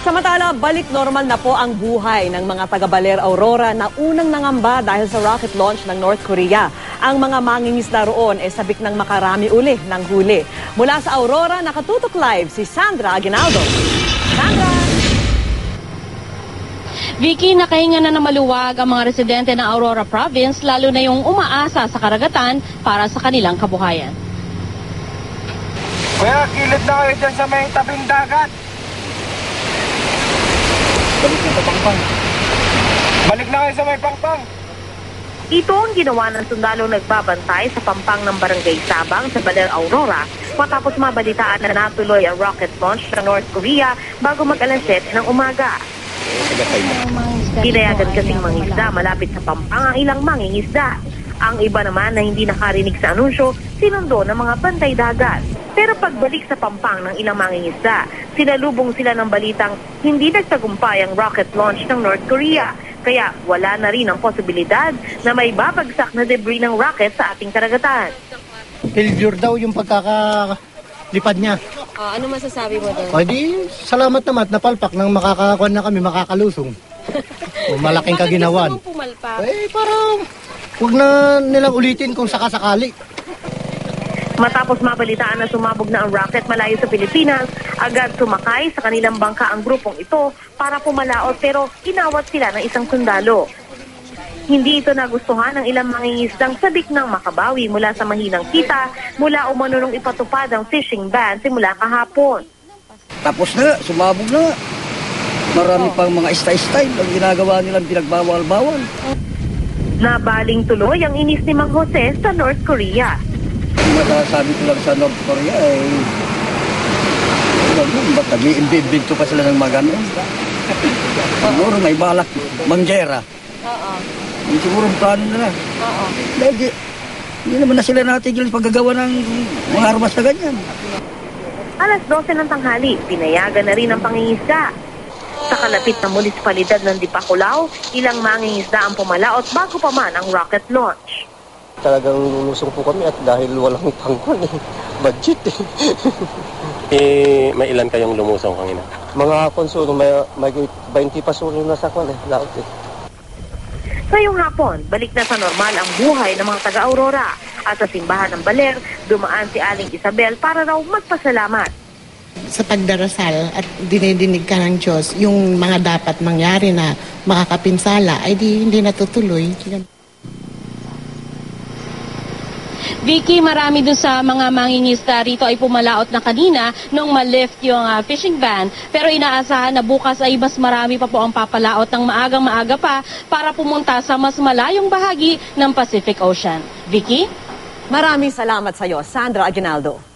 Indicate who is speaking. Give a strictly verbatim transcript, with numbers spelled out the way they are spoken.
Speaker 1: Samantala, balik normal na po ang buhay ng mga taga-Baler Aurora na unang nangamba dahil sa rocket launch ng North Korea. Ang mga mangingisda roon ay sabik ng makarami uli ng huli. Mula sa Aurora, nakatutok live si Sandra Aguinaldo. Sandra!
Speaker 2: Vicky, nakahinga na na maluwag ang mga residente ng Aurora Province, lalo na yung umaasa sa karagatan para sa kanilang kabuhayan.
Speaker 3: Kuya, kilid na kayo dyan sa may tabing dagat. Balik na sa Pangpang. Balik na kayo sa may Pangpang.
Speaker 4: Ito ang ginawa ng sundalo nagbabantay sa pampang ng Barangay Sabang sa Baler Aurora matapos mabalitaan na natuloy ang rocket launch ng North Korea bago mag-alas siyete ng umaga. Pinayagan kasing mangingisda malapit sa pampang ang ilang mangingisda. Ang iba naman na hindi nakarinig sa anunsyo, sinundo ng mga bantay dagat. Pero pagbalik sa pampang ng ilang mangingisda, sinalubong sila ng balitang hindi nagtagumpay ang rocket launch ng North Korea. Kaya wala na rin ang posibilidad na may babagsak na debris ng rocket sa ating karagatan.
Speaker 5: Failure daw yung pagkakalipad niya.
Speaker 2: Uh, ano masasabi mo doon?
Speaker 5: O di, salamat naman at napalpak nang makakakuan na kami, makakalusong. O, malaking kaginawan.
Speaker 2: Bakit gusto mong pumalpak?
Speaker 5: Eh, parang huwag na nilang ulitin kung sakasakali.
Speaker 4: Matapos mabalitaan na sumabog na ang rocket malayo sa Pilipinas, agad sumakay sa kanilang bangka ang grupong ito para pumalaot pero inawat sila ng isang sundalo. Hindi ito nagustuhan ng ilang mangingisdang sabik ng makabawi mula sa mahinang kita mula umano nung ipatupad ang fishing ban simula kahapon.
Speaker 6: Tapos na, sumabog na. Marami pang mga style-style ang ginagawa nilang pinagbawal-bawal.
Speaker 4: Nabaling tuloy ang inis ni Mang Jose sa North Korea.
Speaker 6: Masasabi ko lang sa North Korea eh, ba't nag-i-imbento pa sila ng magano? Siguro may balak, manggera.
Speaker 2: Oo.
Speaker 6: Siguro ang plano nila.
Speaker 2: Oo.
Speaker 6: Dahil hindi naman na sila natigil paggagawa ng mga armas na ganyan.
Speaker 4: Alas dose ng tanghali, pinayagan na rin ang pangingisda. Sa kalapit na munisipalidad ng Dipakulaw, ilang mangingisda ang pumalaot bago pa man ang rocket launch.
Speaker 7: Talagang lulusong po kami at dahil walang pangkon eh, budget eh.
Speaker 8: eh, may ilan kayong lumusong kanina?
Speaker 7: Mga konsulo, may, may twenty pa sulo na sa kwan eh, laot eh.
Speaker 4: Ngayong hapon, balik na sa normal ang buhay ng mga taga-Aurora. At sa simbahan ng Baler, dumaan si Aling Isabel para raw magpasalamat.
Speaker 9: Sa pagdarasal at dinidinig ka ng Diyos, yung mga dapat mangyari na makakapinsala, ay di, hindi natutuloy.
Speaker 2: Vicky, marami dun sa mga mangingisda rito ay pumalaot na kanina nung ma-lift yung uh, fishing ban. Pero inaasahan na bukas ay mas marami pa po ang papalaot ng maagang maaga pa para pumunta sa mas malayong bahagi ng Pacific Ocean. Vicky?
Speaker 1: Maraming salamat sa iyo, Sandra Aguinaldo.